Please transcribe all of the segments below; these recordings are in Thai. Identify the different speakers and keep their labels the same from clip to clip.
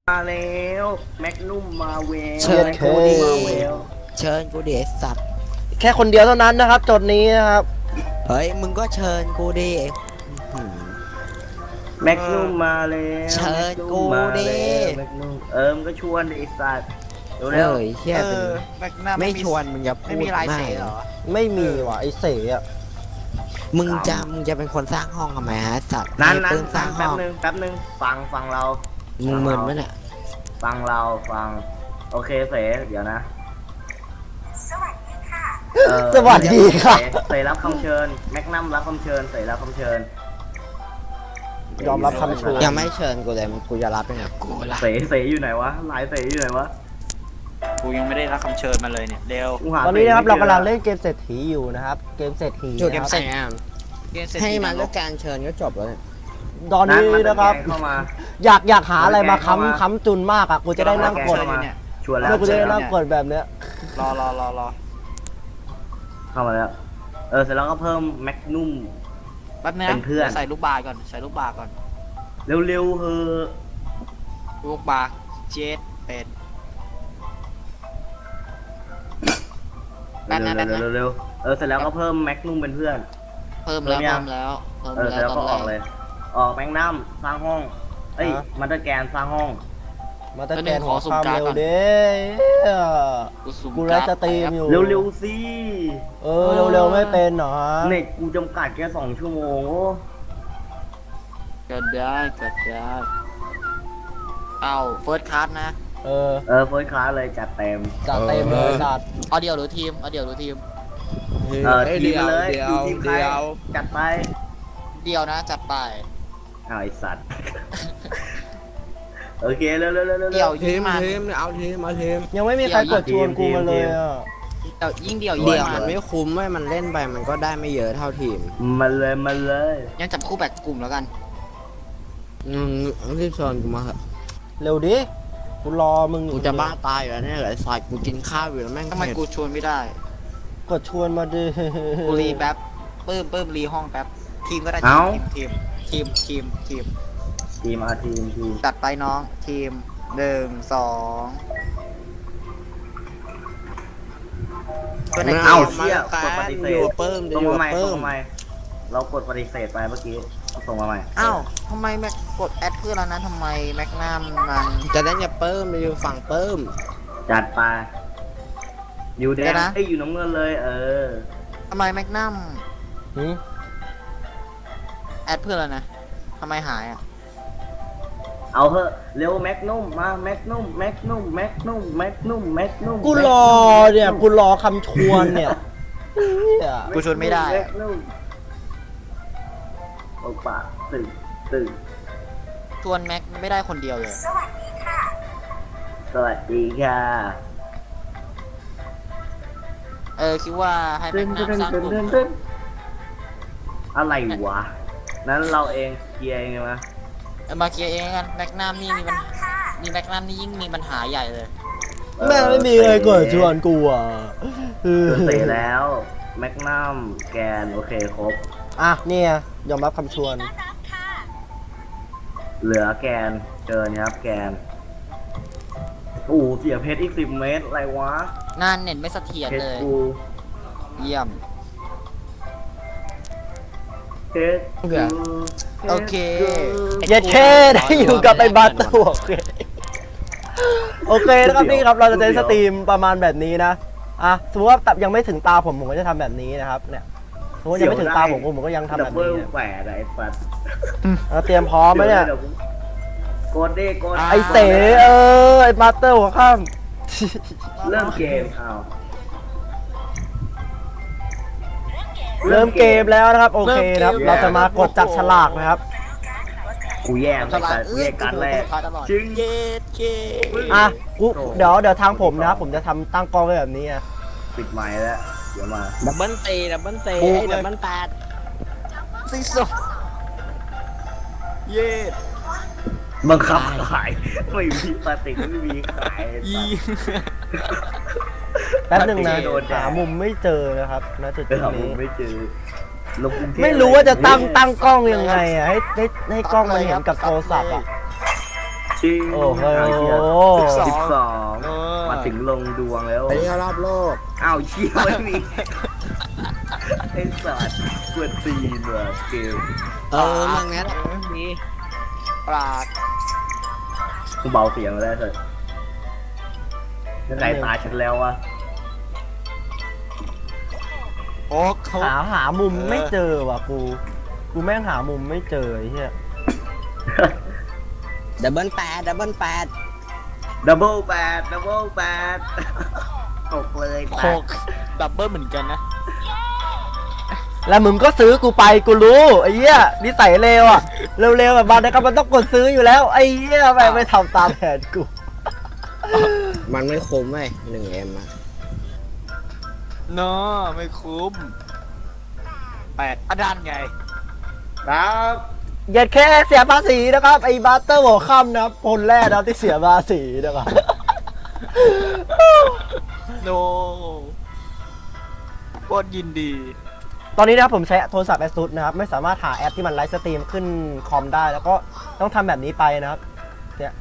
Speaker 1: มาแล้วแมกนุ่มมาเวล
Speaker 2: เชิญกูดิ
Speaker 1: มาเวล
Speaker 2: เชิญกูดิไอ้สัตว์
Speaker 3: แค่คนเดียวเท่านั้นนะครับจดนี้นะครับ
Speaker 2: เฮ้ยมึงก็เชิญกูดิไอ้หืม
Speaker 1: แมกนุ่มมาแล้ว
Speaker 2: เชิญกูดิ
Speaker 1: แมกนุ่มมึงก็ชวนดิไอ้สัตว์เร็ว
Speaker 2: เฮ้ยเฮียเป็น
Speaker 4: แม็กนัม
Speaker 2: ไม่ชวนมึงอย่าพูด
Speaker 4: ไม่มีลายเสียเหรอ
Speaker 3: ไม่มีว่ะไอเสอะ
Speaker 2: มึงจะเป็นคนสร้างห้องทำไมฮะสัตว์
Speaker 1: นั้น
Speaker 2: ให้ปื้มสร้าง
Speaker 1: แป๊
Speaker 2: ห้
Speaker 1: บ
Speaker 2: อง
Speaker 1: นึงฟังเรา
Speaker 2: มึงมึนไหมเนี่ย
Speaker 1: ฟังโอเคเสเดี๋ยวนะ
Speaker 3: สวัสดีค่ะ
Speaker 1: เสรับคำเชิญแมกนัมรับคำเชิญเสรับคำเชิญ
Speaker 3: ยอมรับคำเชิญ
Speaker 2: ยังไม่เชิญกูเลยมึงกูจะรับยังไงกูละ
Speaker 1: เสอยู่ไหนวะลายเสอยู่ไหนวะ
Speaker 4: กูยังไม่ได้รับคำเชิญมาเลยเนี่ยเร็ว
Speaker 1: กูหา
Speaker 3: ตอนนี้นะครับ
Speaker 1: ส
Speaker 3: เรา
Speaker 1: ไม่จ
Speaker 3: กำลังเล่นเกมเศรษฐีอยู่นะครับเกมเศรษฐี
Speaker 2: จุด
Speaker 3: นะครับ
Speaker 2: แสง
Speaker 4: เกมเสร็จ
Speaker 2: ให้มัน
Speaker 4: ที
Speaker 2: เลือกการเชิญก็จบแล้วเนี่ย
Speaker 3: ตอนนี้นะครับ
Speaker 1: เข้ามา
Speaker 3: อยากหาอะไรมาค้ำจุนมากอ่ะกูจะได้นั่งกด
Speaker 1: เข้ามา
Speaker 4: เนี่ย
Speaker 1: ชวนแล้
Speaker 3: เมื่
Speaker 1: ว
Speaker 3: อกูจะได้นั่งกดแบบเนี้ย
Speaker 4: รอ
Speaker 1: เข้ามาแล้วเสร็จแล้วก็เพิ่มแมกนุ่ม
Speaker 4: แป๊บนึง
Speaker 1: เป็นเพื่อน
Speaker 4: ใส่ลูกบาศก์ก่อนใส่ลูกบาศก์ก่อน
Speaker 1: เร็วๆเฮ้อ
Speaker 4: ลูกบาศก์เจ็ดเป็ด แป๊บนะ
Speaker 1: เร็วเสร็จแล้วก็เพิ่มแมกนุ่มเป็นเพื่อน
Speaker 4: เพิ่มแล้ว
Speaker 1: เพิ่
Speaker 4: เพิ่
Speaker 1: ม
Speaker 4: ม
Speaker 1: ยัง
Speaker 4: แล้ว
Speaker 1: เสร็จแล้วก็ออกเลย ออกแมกนัมสร้างห้องมันเตอร์แกนสร้างห้อง
Speaker 3: มาตะแกนหัวข้ามเร็วเด้
Speaker 4: กูสุ่ม
Speaker 3: กูไลฟ์สตรีมอยู่
Speaker 1: เร็วๆสิ
Speaker 3: เร็วๆไม่เป็นเหรอ
Speaker 1: เน็ตกูจำกัดแค่2 ชั่วโมงโอ้
Speaker 4: เกิดได้เอ้าเฟิร์สคลาสนะ
Speaker 3: เออ
Speaker 1: เฟิร์สคลาสเลยจัดเต็ม
Speaker 3: จัดเต็มเลยจัด
Speaker 4: เอาเดียวหรือทีมเอาเดียวหรือทีม
Speaker 1: ทีมมาเลยอยู่ทีมใครจัดไป
Speaker 4: เดียวนะจัดไป
Speaker 1: เอาไอสัตว์ โอเคเร็ว
Speaker 4: เดี่ยว
Speaker 2: ที
Speaker 4: ยิ่ง
Speaker 2: ม
Speaker 4: มัน
Speaker 2: เอาทีมเอาทีม
Speaker 3: ยังไม่มีใครกดชวนกูมาเลยอ่ะ
Speaker 4: เดี่ยวยิ่งเดี่ยว
Speaker 2: เดี่
Speaker 4: ยิ่
Speaker 2: ยว
Speaker 4: ง
Speaker 2: มั
Speaker 4: มัน น
Speaker 2: ไม่คุ้มเว้ยมันเล่นไปมันก็ได้ไม่เยอะเท่าทีม
Speaker 1: มาเลย
Speaker 4: ยังจับคู่แบบกลุ่มแล้วกัน
Speaker 2: รีบชวนกูมาเถอะ
Speaker 3: เร็วดิกูรอมึงอยู่
Speaker 2: กูจะบ้าตายอยู่แล้วเนี่ยไอ้สัตว์กูกินข้าวอยู่แล้วแม่ง
Speaker 4: ทำไม
Speaker 2: เผ็ด
Speaker 4: กูชวนไม่ได้
Speaker 3: กดชวนมาดิ
Speaker 4: กูรีแป๊บปื้มรีห้องแป๊บทีมก็ได้ทีม
Speaker 1: ทีมทีม
Speaker 4: จัดไปน้องทีม1 2ก็ใน
Speaker 1: เอ้า
Speaker 4: เกม
Speaker 1: เชี่ยกดปฏิเส
Speaker 2: อยู่
Speaker 1: ธ
Speaker 2: เพิ่ม
Speaker 1: ส่ง
Speaker 2: อยู่
Speaker 1: มาใหม่
Speaker 2: เพิ่
Speaker 1: ส่ง
Speaker 2: ม
Speaker 1: มาใหม่เรากดปฏิเสธไปเมื่อกี้ส่งมาใหม่
Speaker 4: อ้าวทำไมแม็กกดแอดเพื่อนแล้วนะทำไมแม็กนัมมัน
Speaker 2: จะได้อย่าเพิ่มอยู่ฝั่งเพิ่ม
Speaker 1: จัดไปอยู่แด
Speaker 4: เดี๋
Speaker 1: ง
Speaker 4: ยวนะ
Speaker 1: อยู่น้ำเงินเลย
Speaker 4: ทำไมแม็กนัม
Speaker 3: หืม
Speaker 4: แอดเพื่อนแล้วนะทำไมหายอ่ะ
Speaker 1: เอาเถอะเร็วแมกนุ่มมาแมกนุ่ม
Speaker 3: กูรอเนี่ยกูรอคำชวนเนี่ยเนี่ย
Speaker 4: กูชวนไม่ได้
Speaker 1: แม
Speaker 4: อะ
Speaker 1: กนุ่มโอปะตื่น
Speaker 4: ชวนแม็กไม่ได้คนเดียวเลย
Speaker 1: สวัสดีค่ะ
Speaker 4: คิดว่าให้แม็กนัมสร้างกลุ่ม
Speaker 1: อะไรวะนั้นเราเองเคลียร์เองไหม
Speaker 4: มาเคลียร์เองกันแม็กนัมนี่มีปัญหามีแม็กนัมนี่ยิ่งมีปัญหาใหญ่เลย
Speaker 3: แม่งไม่มีใครกดชวนกูอ่ะ
Speaker 1: เสร็จแล้วแมกนัมแกนโอเคครบ
Speaker 3: อ่ะเนี่ยยอมรับคำชวน
Speaker 1: เหลือแกนเกินครับแกนโอ้เสียเพชรอีก10 เมตรอะไรวะ
Speaker 4: งานเน็ตไม่เสถียร
Speaker 1: เพช
Speaker 4: เล
Speaker 1: ร
Speaker 4: ย
Speaker 1: กู
Speaker 4: เยี่ยม
Speaker 1: เพชรกู
Speaker 4: โอเค
Speaker 3: เย็ดแค่ได้อยู่กับไอ้บัตตัวโอเคโอเคนะครับนี่ครับเราจะใช้สตรีมประมาณแบบนี้นะสมมติว่ายังไม่ถึงตาผมก็จะทำแบบนี้นะครับเนี่ยสมมติยังไม่ถึงตาผมก็ยังทำ
Speaker 1: ดั
Speaker 3: แบบ บ
Speaker 1: เบิ
Speaker 3: นี้
Speaker 1: ลแปดไอ้ปัด
Speaker 3: เตรียมพร้อมไหมเนี่ย
Speaker 1: ดี๋วกดดิกด
Speaker 3: ไอเสไอมาสเตอร์หัวข้าม
Speaker 1: เริ่มเกมเอา
Speaker 3: เริ่มเกมแล้วนะครับโอเคครับเราจะมากดจับฉลากนะครับ
Speaker 1: กูแย่ไม่แต่กูแย่การแรกจึง
Speaker 4: เย็ดเค
Speaker 3: กูเดี๋ยวทางผมนะครับผมจะทำตั้งกล้องไว้แบบนี้
Speaker 1: ปิดไมค์แล้วเดี๋ยวมา
Speaker 2: ดับเบิลตีดับเบิลตี
Speaker 3: ปุ๊บ
Speaker 2: ไอ้ดับเบิลแปด
Speaker 4: ซีซ่เย็ด
Speaker 1: บังคับขายไม่มีปฏิกไม่มีขาย
Speaker 3: แป๊บหนึ่งนะ
Speaker 1: โดนแดด
Speaker 3: หามุมไม่เจอนะครับณจุด
Speaker 1: ไปหามุ
Speaker 3: นี้
Speaker 1: มไม่เจอลงกรุงเทพ
Speaker 3: ไม่รู้ว่าจะตั้งกล้องยังไงให้กล้องมันเห็นกับโทรศัพท์อ่ะ
Speaker 1: จริง
Speaker 3: โอ้โห
Speaker 1: 12
Speaker 4: เออ
Speaker 1: มาถึงลงดวงแล้ว
Speaker 2: ไปเที่ยวรอบโลก
Speaker 1: อ้าวเชี่ยไม่มีไอ้สัตว์กวนตีนว่ะเกม
Speaker 2: เออเรื่องนี้แหละ
Speaker 4: มีปลาด
Speaker 1: กูเบาเสียงมาแล้วเถอะยังไงตายฉันแล้ววะ
Speaker 4: โอ้เขา
Speaker 3: หามุมไม่เจอว่ะกูแม่งหามุมไม่เจอไอ้เหี้ย
Speaker 2: ดับเบิลแปด
Speaker 1: ดับเบิลแปดตกเลย
Speaker 4: โคกดับเบิลเหมือนกันนะ
Speaker 3: แล้วมึงก็ซื้อกูไปกูรู้ไอ้เหี้ยนิสัยเลวอ่ะเร็วๆแบบบางนะครับมันต้องกดซื้ออยู่แล้วไอ้เหี้ยไม่ทำตามแผนกู
Speaker 2: มันไม่คุ้มเว้ย1M อะ
Speaker 4: เนาะไม่คุ้ม8อดันไง
Speaker 1: ครับ
Speaker 3: อย่าแค่เสียภาษีนะครับไอ้บัตเตอร์หัวค่ำนะครับคนแรกนะครับที่เสียภาษีนะครับ
Speaker 4: โนโคตรยินดี
Speaker 3: ตอนนี้นะครับผมใช้โทรศัพท์ ASUS นะครับไม่สามารถหาแอปที่มันไลฟ์สตรีมขึ้นคอมได้แล้วก็ต้องทำแบบนี้ไปนะครับเนี่ย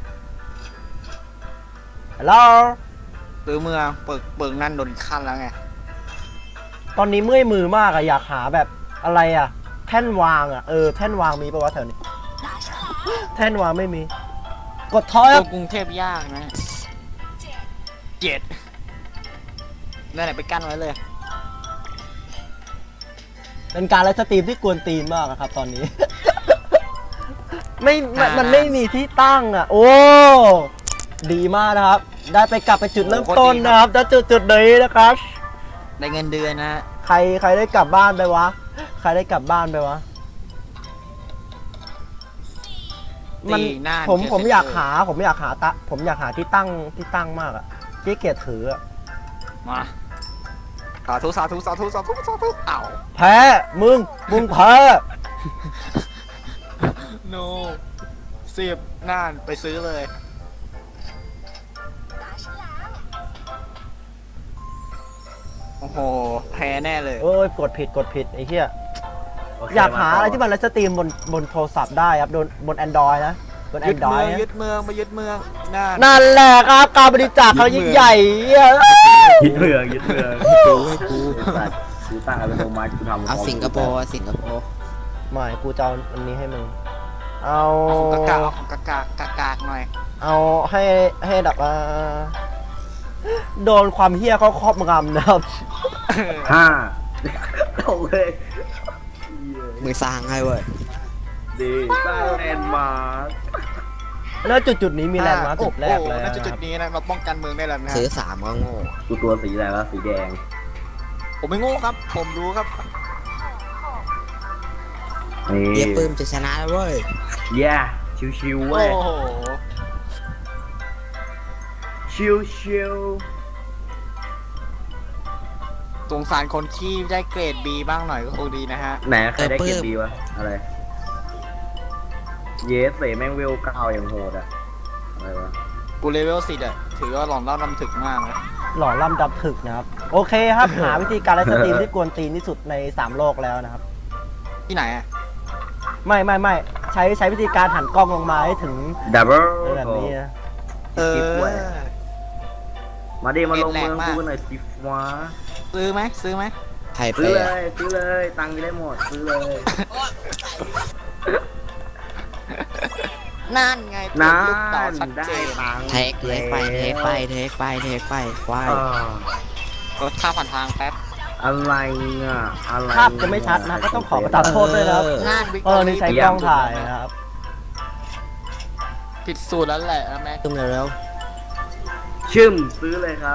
Speaker 3: ฮัลโหล
Speaker 4: ซื้อเมืองเปิงนั่นโดนขั้นแล้วไง
Speaker 3: ตอนนี้เมื่อยมือมากอะอยากหาแบบอะไรอะแท่นวางอะแท่นวางมีปะวะแถวนี้ แท่นวางไม่มี กดทอยครับ
Speaker 4: กรุงเทพยากนะ7นั่นแหละไปกั้นไว้เลย
Speaker 3: เป็นการไลฟ์สตรีมที่กวนตีนมากอะครับตอนนี้ มันไม่มีที่ตั้งอะโอ้ดีมากนะครับ ได้ไปกลับไปจุดเริ่มต้นนะครับแล้วจุดนี้นะครับ
Speaker 4: ได้เงินเดือนนะ
Speaker 3: ใครได้กลับบ้านไปวะ ใครได้กลับบ้านไปวะ มัน
Speaker 4: ตีหน้า
Speaker 3: ผมอยากหาผมอยากหาที่ตั้งมากอะที่เกียจถืออะ
Speaker 4: มาสาธุเอ้า
Speaker 3: แพ้มึงแพ้
Speaker 4: โน10น่านไปซื้อเลย โอ้โห แพ้แน่เลย
Speaker 3: โอ้ยกดผิดไอ้เหี้ย
Speaker 1: โเค
Speaker 3: อยากหาอะไร
Speaker 1: ต่
Speaker 3: ที่มันไลฟ์สตรีมบนโทรศัพท์ได้ครับบน Android นะบน
Speaker 4: ยึดเมือง
Speaker 3: Android นะ
Speaker 4: ยึดเมืองมายึดเมืองน่าน
Speaker 3: นั่นแหละครับการบริจาคเขายิ่งใหญ่เหี้ย
Speaker 1: ยึดเมือง
Speaker 2: ให้กู
Speaker 1: สัตว์กูตั้งอัตโนมัติกูทำ
Speaker 2: เอาสิงคโปร์
Speaker 3: ไม่กูจะเอาอันนี้ให้มึง เอา
Speaker 4: เอาของกากหน่อย
Speaker 3: เอาให้แบบว่าโดนความเฮี้ยเขาครอบงำนะครับ
Speaker 1: 5ตกเลย
Speaker 2: มึงสร้างให้เว้ย
Speaker 1: ดีสร้างแลนด์มาร์ค
Speaker 3: แล้วจุดนี้มีแลนด์มาร์คจุดแรกเลย
Speaker 4: โอ้โห
Speaker 3: นะ
Speaker 4: น่า
Speaker 3: ค
Speaker 4: จะจุ
Speaker 3: รั
Speaker 4: ด
Speaker 3: บ
Speaker 4: นี้นะเราป้องกันเมืองได้แล้วนะ
Speaker 2: ซื้อ3ก็โง่
Speaker 1: กูตัวสีอะไรวะสีแดง
Speaker 4: ผมไม่โง่ครับ ผมรู้ครับ
Speaker 1: นี่
Speaker 2: เยี่ยปื้มจะชนะแล้วเว้ย
Speaker 1: เย้ชิวๆ
Speaker 4: โอ้
Speaker 1: เว้ย
Speaker 4: โห
Speaker 1: ชิว
Speaker 4: สงสารคนขี้ได้เกรด B บ้างหน่อยก็คงดีนะฮะ
Speaker 1: ๆไหนใครได้เก็บดีวะอะไรเยสเสแม่งเวล9อย่างโหดอะอะไรวะ
Speaker 4: กูเลเวล10อะถือว่าหลอนเล่านำถึกมากนะ
Speaker 3: หล่อล่ำดับถึกนะครับ โอเคครับ หาวิธีการไลฟ์สตรีมที่กวนตีนที่สุดใน3โลกแล้วนะครับ
Speaker 4: ที่ไหนอะ
Speaker 3: ไม่ใช้วิธีการหันกล้องลงมาให้ถึง
Speaker 1: ดับเบิล
Speaker 3: แบบนี้นะ
Speaker 4: เออ
Speaker 1: มาดิมาลงเมือง
Speaker 4: เน็ตแรงมาก
Speaker 1: กูหน่อยสิฟ้า
Speaker 4: ซื้อไหม
Speaker 2: ไทยเป
Speaker 1: ซื้อ
Speaker 2: ย์
Speaker 1: เลยตังค์มีได้หมดซื้อเลย
Speaker 4: นั่นไง
Speaker 1: นั่
Speaker 4: ลูกต่อน ชัด
Speaker 1: ได้
Speaker 4: เจน
Speaker 1: ตังค์
Speaker 2: เทคไปควาย
Speaker 4: รถข้ามผ่านทางแป๊บ
Speaker 1: อะไรอ่ะอะไร
Speaker 3: ภาพจะไม่ชัดนะก็ต้องขอประทานโทษด้วยนะครับ
Speaker 4: น่านวิก
Speaker 3: นี่ใช้กล้องถ่ายนะครับ
Speaker 4: ผิดสูตรแล้วแหละนะแม็ก
Speaker 2: ตุ้มเร็ว
Speaker 1: ชึมซื้อเลยครับ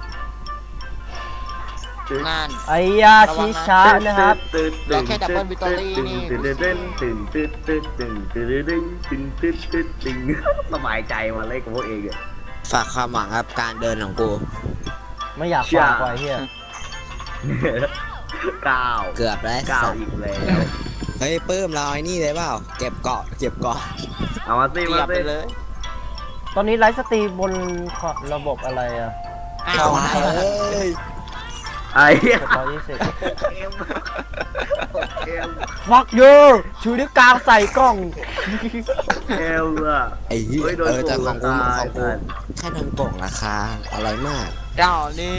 Speaker 4: น่าน
Speaker 3: ไอ้ยาชิชะนะครับ
Speaker 4: แล้วแค่ Double Victory นี่
Speaker 1: สบายใจมาเลยกับพวกเองอ่ะ
Speaker 2: ฝากความหวังกับการเดินของกู
Speaker 3: ไม่อยากฝากไว้เฮีย
Speaker 1: 9
Speaker 2: เกือบแล้ว
Speaker 1: 9อีกแล้ว
Speaker 2: เฮ้ยปื้มเราไอ้นี่เลยเปล่าเก็บเกาะ
Speaker 1: เอามาสิ
Speaker 4: เกี
Speaker 1: มาย
Speaker 4: บไป
Speaker 1: สิ
Speaker 4: เลย
Speaker 3: ตอนนี้ไลฟ์สตรีมบนระบบอะไรอะ
Speaker 4: อ้าว
Speaker 2: ควายเอ้ย
Speaker 1: ไอ้
Speaker 3: 120
Speaker 1: เอล
Speaker 3: fuck you ชูนิ้วกลางใส่กล้อง
Speaker 1: เอลอะ
Speaker 2: ไอ้เหี้ย
Speaker 1: เฮ้ยโดน
Speaker 2: แต่ของกู
Speaker 1: ตาย
Speaker 2: ของกู
Speaker 1: ตาย
Speaker 2: แค่โดนโป่งราคาอะไรมาก
Speaker 4: เจ้านี่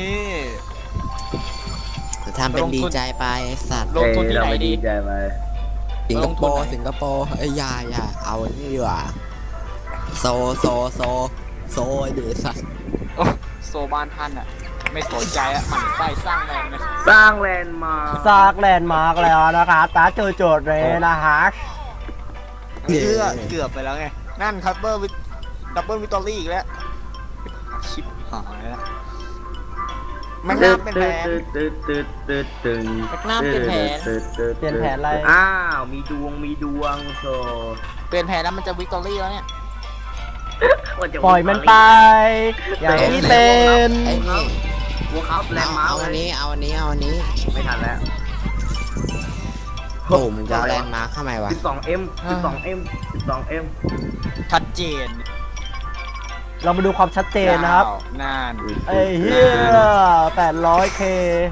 Speaker 2: แต่ทำเป็นดีใจไปไอ้สัตว์
Speaker 4: ลงทุนที่ไหน
Speaker 1: เราม่
Speaker 4: ดี
Speaker 1: ใจไป
Speaker 2: สิงคโปร์
Speaker 4: ลงทุนไหน
Speaker 2: สิงคโปร์ไอ้ยอย่าเอาอันนี้ดีกว่าโซไอ้เดือดสัตว์
Speaker 4: โอ้โซบานท่านอ่ะ ไม่สนใจอ่ะหมันไส้สร้างแรงนะ
Speaker 1: สร้างแลนด์มาร์ค
Speaker 3: ซากแลนด์มาร์กแล้วนะคะตาเจอโจทย์เลยนะฮะ
Speaker 4: เกือบไปแล้วไง นั่นคัพเบอร์วิดับเบิลวิตอรี่อีกแล้ว ชิปหายแล้วมันน่าเป็นแผน
Speaker 1: ตึ๊ดตึง
Speaker 4: แม็กนัมเป็นแผน
Speaker 3: เปลี่ยนแผนอะไร
Speaker 1: อ้าวมีดวงโซ
Speaker 4: เปลี่ยนแผนแล้วมันจะวิตอรี่แล้วเนี่ย
Speaker 3: ปล่อยมันไป อย่างที่เป็น
Speaker 2: ไอ้นี่
Speaker 1: วัวครับแลนด์มาร์
Speaker 2: เอา
Speaker 1: ค
Speaker 2: อันนี้เอาอันนี้
Speaker 1: ไม่ทันแล้ว
Speaker 2: โอ้มึงจะเอาแลนด์มาร์คเข้ามาไวะ
Speaker 1: 12M 12M
Speaker 4: ชัดเจน
Speaker 3: เรามาดูความชัดเจนนะครับ
Speaker 4: น่าน
Speaker 3: ไอ้เหี้ย 800k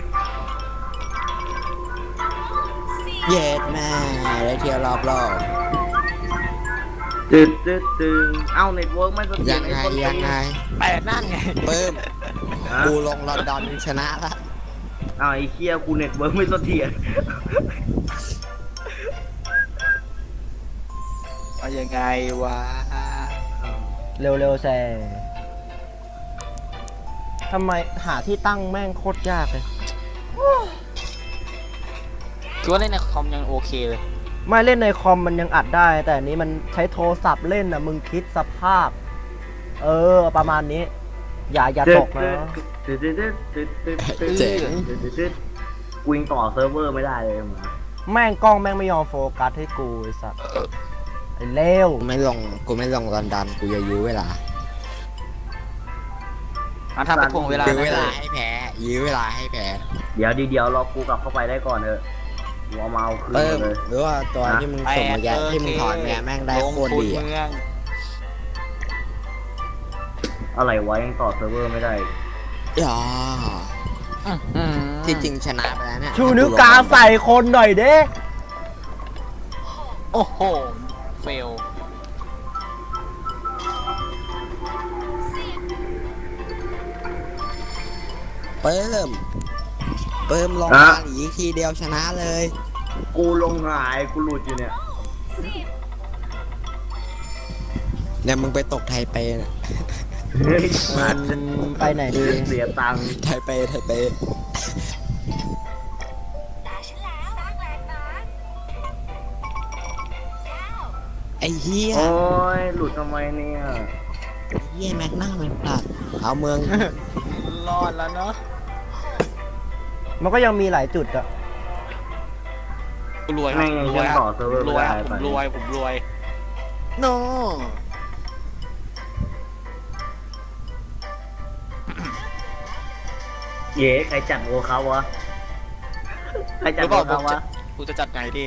Speaker 2: เย็ดแม่ได้เที่ยวรอบ
Speaker 1: ตึงเอ้าเน็ตเวิร์กไม่เสถีย
Speaker 2: ยั
Speaker 1: รง
Speaker 2: ไง
Speaker 1: อ้คนนี้
Speaker 2: ยังไง
Speaker 4: แปดนั่นไง
Speaker 2: เพิ่ม
Speaker 1: ฮะ
Speaker 2: กูลงลอนดอนชนะละ
Speaker 1: อ้าวไอ้เคียกูเน็ตเวิร์กไม่เสถียร
Speaker 4: เอายังไงวะ
Speaker 3: เร็วๆแซ่ทำไมหาที่ตั้งแม่งโคตรยากเลย
Speaker 4: คือว่าเล่นในคอมยังโอเคเลย
Speaker 3: ไม่เล่นในคอมมันยังอัดได้ แต่อันนี้มันใช้โทรศัพท์เล่นนะมึงคิดสภาพ ประมาณนี้ อย่าตกนะ
Speaker 2: เจ๋ง
Speaker 1: กูยังต่อเซิร์ฟเวอร์ไม่ได้เลยมึง
Speaker 3: แม่งกล้องแม่งไม่ยอมโฟกัสให้กูไอ้สัสไอ้เลว
Speaker 2: กูไม่ลงลอนดอนกูจะยื้อเวลา
Speaker 4: อ่ะทำเป็นพวงเวลา
Speaker 2: ยื้อ
Speaker 4: นะ
Speaker 2: เวลาให้แพ้ยื้อเวลาให้แพ้
Speaker 1: เดี๋ยวรอกูกลับเข้าไปได้ก่อนเถอะกูเอามาเอาคืน
Speaker 2: เพิ่ม
Speaker 1: เลย
Speaker 2: หรือว่าตัวที่มึงส่งมาแย่ที่มึงถอนเนี่ยแม่งได้โคตรดี
Speaker 4: ลงทุน
Speaker 2: อะ
Speaker 4: เมือง
Speaker 1: อะไรวะยังต่อเซิร์ฟเวอร์ไม่ได้
Speaker 2: อ๋อ
Speaker 4: อืม
Speaker 2: ที่จริงชนะไปแล้วเนี่ย
Speaker 3: ชูนิ้วกลางใส่คนหน่อยเด้
Speaker 4: โอ้โห เฟล
Speaker 2: เพิ่มลง
Speaker 1: อ่ะ
Speaker 2: มาหลีทีเดียวชนะเลย
Speaker 1: กูลงหายกูหลุดอยู่เนี่ย
Speaker 2: เนี่ยมึงไปตกไทเปเนี่ย
Speaker 1: เฮ้ย
Speaker 3: มันไปไหนดี
Speaker 1: เสียตังค์
Speaker 2: ไทเปไอ้เหี้ย
Speaker 1: โอ้ยหลุดทำไมเนี่ย
Speaker 2: เหี้ยแม็กนัมมันปลัดเอาเมือง
Speaker 4: รอดแล้วเนาะ
Speaker 3: มันก็ยังมีหลายจุดอะ
Speaker 4: กูรวย
Speaker 1: แม่งยัง
Speaker 4: รวย
Speaker 1: ต่อเซิร์ฟเวอร์
Speaker 4: ร
Speaker 1: ไม่
Speaker 4: วย
Speaker 1: ได้
Speaker 4: ผม
Speaker 1: ไป
Speaker 4: รวยผมรวยโน
Speaker 1: เย้ใครจัดโวเขาวะใครจัดโวเขาวะ
Speaker 4: กูจะจัดไงดี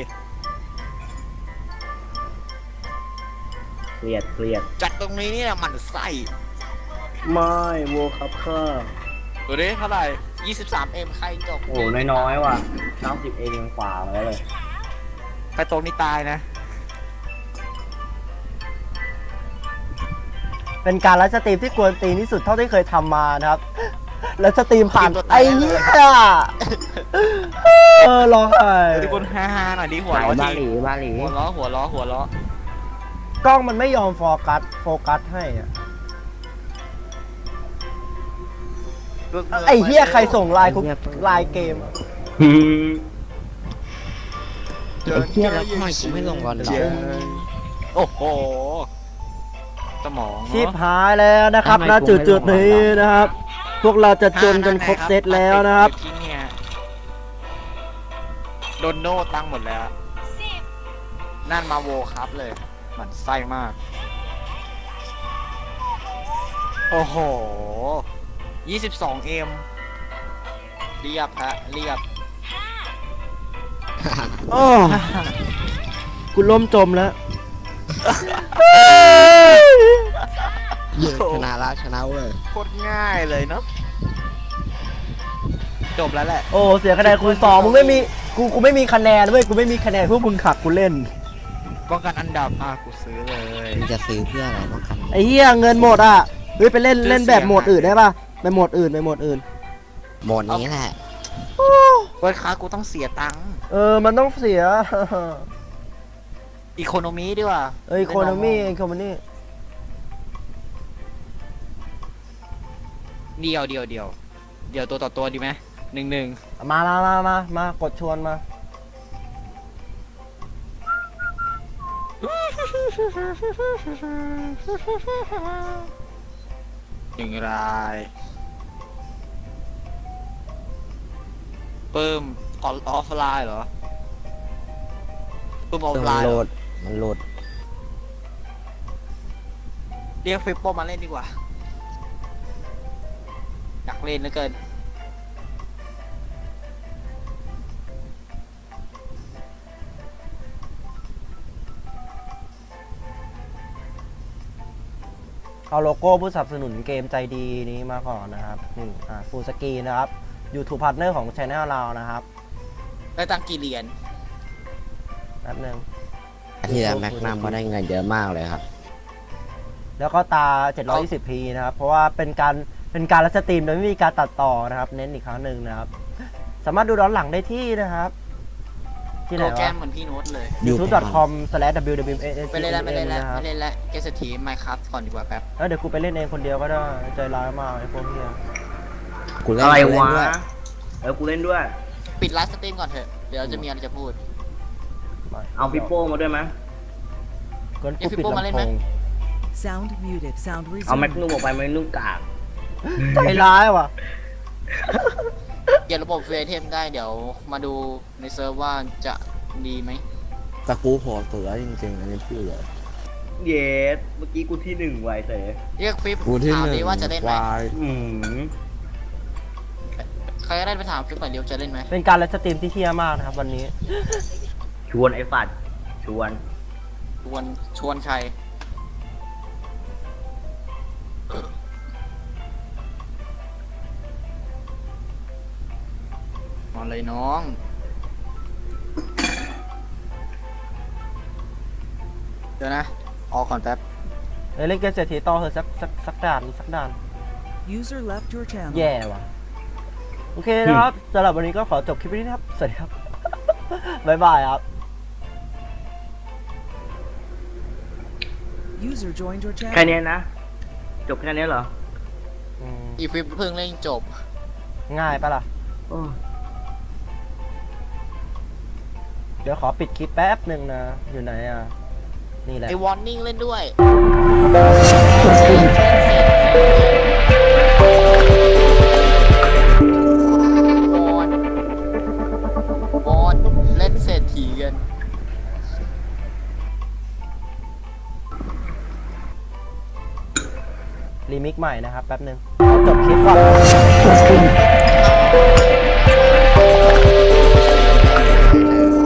Speaker 1: เครียด
Speaker 4: จัดตรงนี้เนี่ยหมันไส้
Speaker 1: ไม่โวครับค่ะ
Speaker 4: ดูดิเท่าไหร่ 23M ใครจบ
Speaker 1: โอ้น้อยๆว่ะ90เองยังฝ่ามาแล้วเลย
Speaker 4: ใครตรงนี้ตายนะ
Speaker 3: เป็นการไลฟ์สตรีมที่กวนตีนที่สุดเท่าที่เคยทำมานะครับ แล้วสตรีมผ่าน
Speaker 4: สตรีมตัวตาย
Speaker 3: ไอ้เหี้ยร้องไห้
Speaker 4: ทุกคนฮ่าๆหน่อยดิหัวล้อทีหัวล้อ
Speaker 3: กล้องมันไม่ยอมโฟกัสให้อะไอ้เหี้ยใครส่งไลน์เกม
Speaker 2: ไอ้เหี้ยแล้วทำไมกูไม่ลงลอนดอน
Speaker 4: โอ้โหสมอง
Speaker 3: ชิบหายแล้วนะครับณจุดนี้นะครับ พวกเราจะจนจนครบเซตแล้วนะครับ
Speaker 4: โดนโน่ตั้งหมดแล้ว นั่นมาโวครับเลยหมันไส้มาก โอ้โห 22M เรียบฮะเรียบ
Speaker 3: โอ้กูล่มจมแล้ว
Speaker 2: เหี้ยชนะแล้วชนะเว้ย
Speaker 4: โคตรง่ายเลยเนาะจบแล้วแหละ
Speaker 3: โอ้เสียคะแนนคูณ2มึงไม่มีกูไม่มีคะแนนเว้ยกูไม่มีคะแนนพวกมึงขักกูเล่น
Speaker 4: ป้องกันอันดับกูซื้อเลย
Speaker 2: มึงจะซื้อเพื่ออะไรป้องกัน
Speaker 3: ไอ้เหี้ยเงินหมดอ่ะเฮ้ยไปเล่น
Speaker 4: ซื้อ
Speaker 3: เล่นแบบ
Speaker 4: เสียง
Speaker 3: โหมดอื่นได้ป่ะไปโหมดอื่น
Speaker 2: โหมดนี้แหละ
Speaker 4: เว้ยค้ากูต้องเสียตังค์
Speaker 3: มันต้องเสีย
Speaker 4: อีโคโนมีดีกว่า
Speaker 3: อีโคโนมี่
Speaker 4: เดียวตัวต่อตัวดีไหม1-1
Speaker 3: มากดชวนมา
Speaker 4: อย่างไรเพิ่มออฟไลน์เหรอเพิ่มออฟไลน์เหรอ
Speaker 2: มันโหลด
Speaker 4: เรียกฟิปโป้มาเล่นดีกว่าอยากเล่นเหลือเกิน
Speaker 3: เอาโลโก้ผู้สนับสนุนเกมใจดีนี้มาก่อนนะครับฟูลสกรีนนะครับ YouTube Partner ของ Channel เรานะครับ
Speaker 4: ได้ตังค์กี่เหรียญ
Speaker 3: แป๊บนึง
Speaker 2: ที่แล้วแม็กนัมก็ได้เงินเยอะมากเลยครับ
Speaker 3: แล้วก็ตา 720p นะครับ เพราะว่าเป็นการไลฟ์สตรีมโดยไม่มีการตัดต่อนะครับ เน้นอีกครั้งหนึ่งนะครับ สามารถดูย้อนหลังได้ที่นะครับ ที่ไหน
Speaker 4: โปรแกร
Speaker 3: วะ
Speaker 4: มเหมือนพี่โน้ตเลย
Speaker 3: youtube.com/www
Speaker 4: ไม่เล่นแล้วไม่เล่นแล้ว
Speaker 3: นะครับ
Speaker 4: ไม่เล่นแล้วเกสทีไมค์ครับก่อนดีกว่าแป๊บ
Speaker 3: แล้วเดี๋ยวกูไปเล่นเองคนเดียวก็ได้ใจร้ายมากไอ้พวกเนี้ย
Speaker 2: กูเล่น
Speaker 1: อะไร
Speaker 2: กูเล่น
Speaker 1: วะ
Speaker 2: ด้วย
Speaker 1: กูเล่นด้วย
Speaker 4: ปิดไลฟ์สตรีมก่อนเถอะเดี๋ยวจะมีอะไรจะพูด
Speaker 1: เอาปิโป้มาด้วยไหม
Speaker 3: ก็กูปิด
Speaker 4: เอาพี่โป้มาเล่น
Speaker 3: ลำ
Speaker 4: ไห
Speaker 3: โพ
Speaker 4: ม
Speaker 3: ง
Speaker 5: Sound muted. Sound
Speaker 1: เอาแม็ก
Speaker 5: resumed.
Speaker 1: นุ่มออกไปแม็กนุ่มกาก
Speaker 3: ใจร้ายว่ะ
Speaker 4: เกี่ยวระบบเฟรเทมได้เดี๋ยวมาดูในเซิร์ฟว่าจะดีไหม
Speaker 2: แต่กูโหดเสือจริงๆอันนี้พูดเลย
Speaker 1: เยสเมื่อกี้กูที่หนึ่งไวเสย
Speaker 4: เรียกฟิป
Speaker 2: กูที่
Speaker 4: ถาม
Speaker 2: หนึ่
Speaker 4: ดิ
Speaker 2: ง
Speaker 4: ว่าจะเล่นไหม
Speaker 2: วาย
Speaker 1: อืม
Speaker 4: ใครก็ได้ไปถามฟิปหน่อยเดียวจะเล่นไหม
Speaker 3: เป็นการไลฟ์สตรีมที่เที่ยมากนะครับวันนี้
Speaker 1: ชวนไอ้ฝัดชวน
Speaker 4: ชวนใครมาเลยน้องเดี๋ยวนะออกก่อนแป๊บ
Speaker 3: เล่นเกมเศรษฐีต่อเถอะสักด่านสักด่าน
Speaker 5: User left your channel.
Speaker 3: แย่ว่ะ โอเคนะครับสำหรับวันนี้ก็ขอจบคลิปนี้นะครับ สวัสดีครับ บ๊ายบายครับ
Speaker 5: User joined your
Speaker 1: แค่
Speaker 5: channel.
Speaker 1: นี้นะ จบแค่นี้เหรอ
Speaker 4: อีฟิปเพิ่งเล่นจบ
Speaker 3: ง่ายปะล่ะ
Speaker 1: โอ้
Speaker 3: เดี๋ยวขอปิดคลิปแป๊บหนึ่งนะ อยู่ไหนอ่ะ นี่แหละ
Speaker 4: ไอวอร์นิ่งเล่นด้วยวอนเล่นเศรษฐีกัน
Speaker 3: รีมิกใหม่นะครับ แป๊บหนึ่งจบคลิปก่อน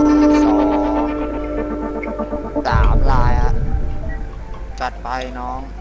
Speaker 4: 2 3 ลายอะจัดไปน้อง